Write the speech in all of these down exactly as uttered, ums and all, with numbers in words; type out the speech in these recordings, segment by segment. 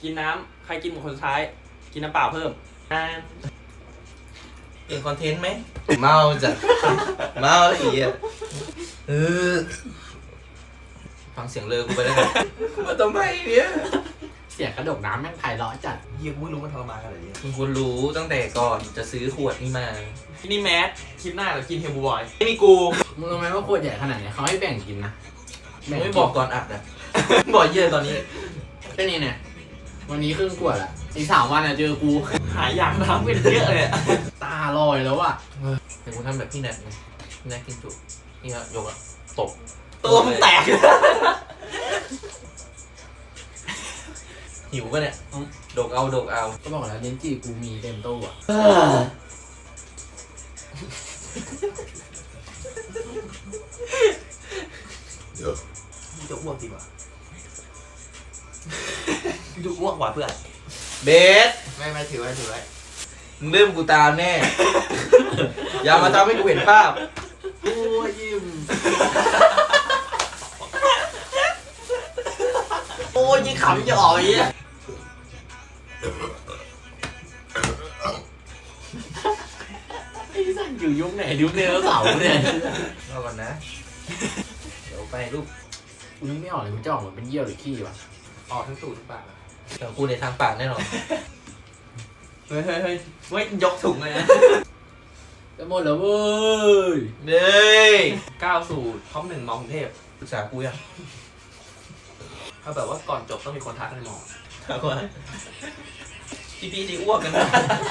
กินน้ำใครกินหมดคนสุดท้ายกินน้ำเปล่าเพิ่มเปลี่ยนคอนเทนต์ไหมเมาจ้ะเมาอีกอ่ะเออฟังเสียงเลอกูไปแล้วกันมาทำไมเนี่ยเสียงกระดกน้ำแม่งไพเราะจัดเฮียกูไม่รู้มันทรมานขนาดนี้มึงควรรู้ตั้งแต่ก่อนจะซื้อขวดนี่มาที่นี่แมสคลิปหน้าเรากินเฮลบูบอยไม่มีกูมึงรู้ไหมว่าขวดใหญ่ขนาดเนี้ยเขาให้แบ่งกินนะมึงไม่บอกก่อนอัดอ่ะบอกเยอะตอนนี้แค่นี้เนี่ยวันนี้ครึ่งขวดอะอีกสามวันอะเจอกูหายอยากน้ำเป็นเยอะเลยอะตาลอยแล้วอะแต่กูทำแบบพี่แนทไงพี่แนทกินจุนี่ครับยกอ่ะตบตัวมันแตกหิวป่ะเนี่ยดกเอาดกเอาก็บอกแล้วเลนจีกูมีเต็มตู้อะมึงจะอ้วกจริงวะมึงจะอ้วกว่ะเพื่อนเบสไม่ไม่ถือไว้ถือไว้มึงเริ่มกูตามแน่ อย่ามาทำให้กูเห็นภาพโอ้ยยิ้มโอ้ยยิ่งขำจะออกอย่างเงี้ยไอ้สันอยู่ยุคไหนยุคเนรเสาร์เนี่ยรอก่อนนะ เดี๋ยวไปลูกกูนึกไม่ออกเลยมันจะออกมาเป็นเยี่ยวหรือขี้วะออกทั้งตูดทั้งปากอะเดี๋ยวกูในทางปากแน่นอนเฮ้ยเฮ้ยเฮ้ยเว้ยยกถุงเลยนะจะหมดแล้วเว้ยเด้ยก้าวสู่ท็อปหนึ่งมองเทพปรึกษากูยังเขาแบบว่าก่อนจบต้องมีคนทักในมองถามว่าพี่พี่ที่อ้วกกันนะ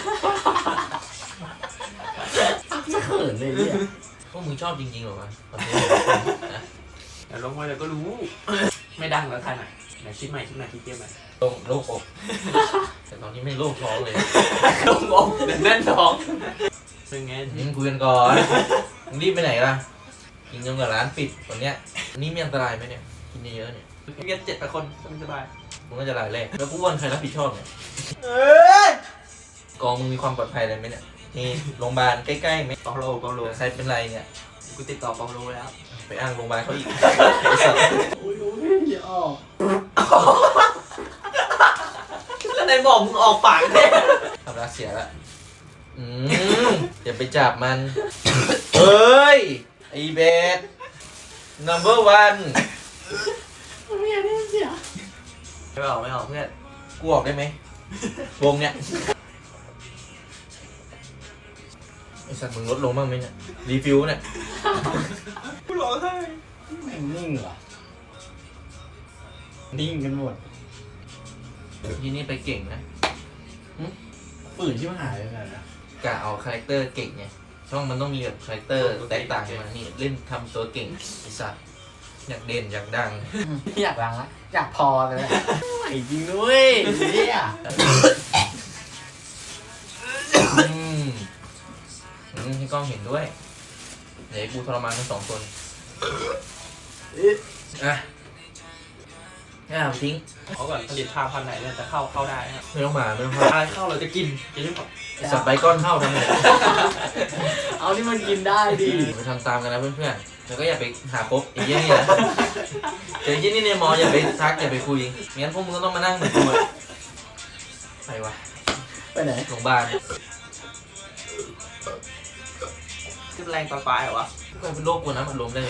จะเขินเลยเนี่ยพวกมึงชอบจริงๆเหรอวะตอนนี้นะแต่ลงไปแล้วก็รู้ ไม่ดังแล้วทันอ่ะไหนคิดใหม่คิดใหม่คิดเกมใหม่โล่งโล่งอกแต่ตอนนี้ไม่โล่งท้องเลยลงอกเดี๋ยวแน่นท้องเป็นไงมึงคุยกันก่อนมึงรีบไปไหนล่ะกินจนกว่าร้านปิดวันเนี้ยอันนี้มีอันตรายไหมเนี่ยกินเยอะๆเนี่ยเรียนเจ็ดแปดคนสบายมึงก็จะรายแรกแล้วกูวันใครรับผิดชอบเนี่ยเอ้ยกองมึงมีความปลอดภัยอะไรไหมเนี่ยนี่โรงพยาบาลใกล้ๆไหมเปาโลเปาโลหรือใครเป็นไรเนี่ยกูติดต่อเปาโลแล้วไปอ้างโรงพยาบาลเขาอีกไอ้สัตว์โอ้ยโอ้ยอย่าออกแล้วไหนบอกมึงออกปากเนี่ยทำรักเสียละอืมอย่าไปจับมัน เฮ้ย ไอเบส number one ไม่อยากได้เสียไม่ออกไม่ออกเพื่อนกูออกได้ไหม วงเนี่ยไอสัตว์มึงลดลงบ้างไหมเนี่ย รีฟิวเนี่ยกูร้องไห้แม่งนิ่งเหรอนิ่งกันหมดที่นี่ไปเก่งนะฝืนที่มันหายไปไหนนะกะเอาคาแรคเตอร์เก่งไง ช่องมันต้องมีแบบคาแรคเตอร์แตกต่างกันมานี่เล่นทำตัวเก่งไอสัตว์อยากเด่นอยากดังอยากรังละอยากพอเลยแหละไหวจริงด้วยเนี่ยอืมอืมให้กล้องเห็นด้วยเดี๋ยวให้กูทรมานทั้งสองคนอ่ะอ่ะทิ้งเขาก่อนผลิตภัณฑ์พันธุ์ไหนเนี่ยจะเข้าเข้าได้ครับไม่ต้องมาไม่ต้องมาอะไรเข้าเราจะกินจะรีบบอกสับไปก้อนเข้าทำไงเอาที่มันกินได้ดิไปทำตามกันนะเพื่อนๆแล้วก็อย่าไปหาคบไอ้เยี่ยนี่นะเจอไอ้เยี่ยนี่ในมออย่าไปทักอย่าไปคุยงั้นพวกมึงก็ต้องมานั่งเหมือนกูอะไปวะไปไหนโรงพยาบาลขึ้นแรงตอนปลายเหรอวะก็เป็นโรคกลัวน้ำอัดลมได้เลย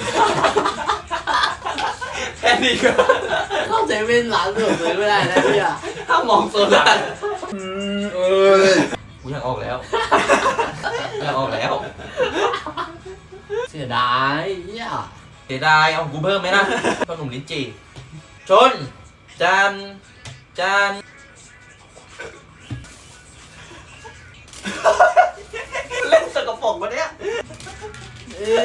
แค่นี้ก็เข้าใจเป็นร้านเสริมเลยไม่ได้นะพี่อะถ้ามองโซดาเออกูอยากออกแล้วอยากออกแล้วเสียดายเนี่ยเสียดายเอากูเพิ่มไหมนะขนมลิ้นจี่ชนจานจานเล่นสกปรกวะเนี่ยเอ้ย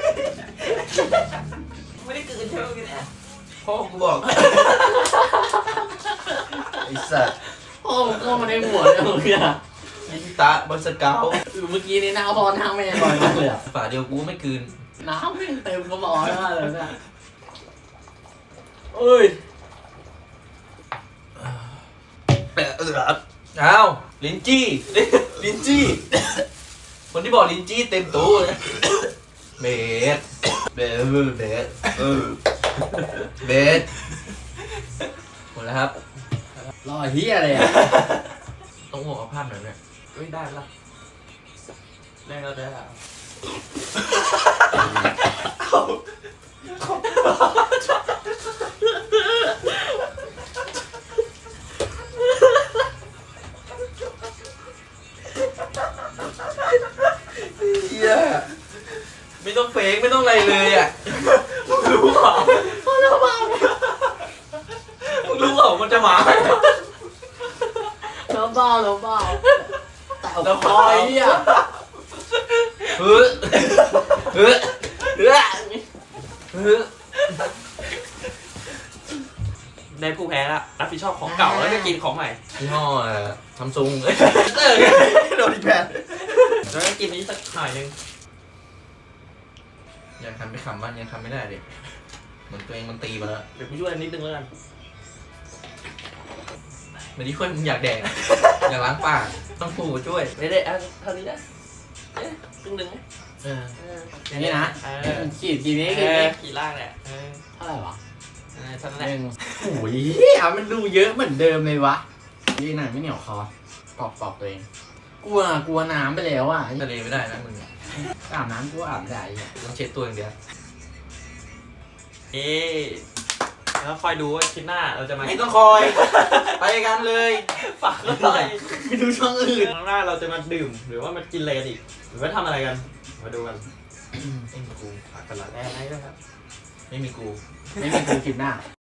ไม่ได้กลืนใช่ไหมพี่เนี่ยพ่อกูบอกไอ้สัตว์โอ้เข้ามาในหัวเลยเนี่ยยินตะบนสเกาเมื่อกี้นี่หน้าพอทางแม่ลอยมากเลยอะฝาเดียวกูไม่คืนน้ำแม่งเต็มกระบอกมากเลยเนี่ยเอ้ยอ้าวลิ้นจี้ลิ้นจี้คนที่บอกลิ้นจี้เต็มตู้เลยเบสเบสเบสเออเบสหมดแล้วครับรอเฮียอะไรอ่ะต้องอ้วกเอาภาพหน่อยเนี่ยไม่ได้ละได้แล้วได้แล้วเฮียไม่ต้องเฟกไม่ต้องอะไรเลยอ่ะรู้เปล่ารู้เปล่ารู้เปล่ามันจะมาแล้วเบาแล้วเบาแต่เอาคอยเฮียเฮ้ยเฮ้ยเฮ้ยเฮ้ยในผู้แพ้ละรับผิดชอบของเก่าแล้วก็กินของใหม่ยี่ห้อซัมซุงโดนอีกแพ้แล้วก็กินนี้สักหน่อยนึงยังทำไม่ขำมันยังทำไม่ได้ดิเหมือนตัวเองมันตีมาแล้วเดี๋ยวกูช่วยนิดนึงแล้วกันเหมือนที่ช่วยมึงอยากแดก อยากล้างปากต้องปู่ช่วยไม่ได้อ่ะเท่านี้นะเอ๊ะครึ่งหนึ่งไหมเออเอออย่างนี้นะเออขีดกี่นี้เอกี่อนี้กี่ล่างเนี่ยเออเท่าไหร่วะเออเท่านั้นหแหละนึ่งโอ้ยเฮียมันดูเยอะเหมือนเดิมเลยวะนี่หน่อยไม่เหนียวคอปอกปอกตัวเองกลัวกลัวน้ำไปแล้วอ่ะทะเลไม่ได้นะมึงอาบน้ำกูอาบไม่ได้อ่ะต้องเช็ดตัวอย่างเดียวเอ๊ะแล้วคอยดูว่าคลิปหน้าเราจะมาไม่ต้องคอย ไปกันเลยฝากก็ได้ไปดูช่องอื่นครั้งหน้าเราจะมาดื่ม หรือว่ามากินอะไรกันอีกหรือว่าทำอะไรกัน มาดูกันไม่มีกูฝากกันละแน่ๆนะครับไม่มีกูไม่มีกูคลิปหน้า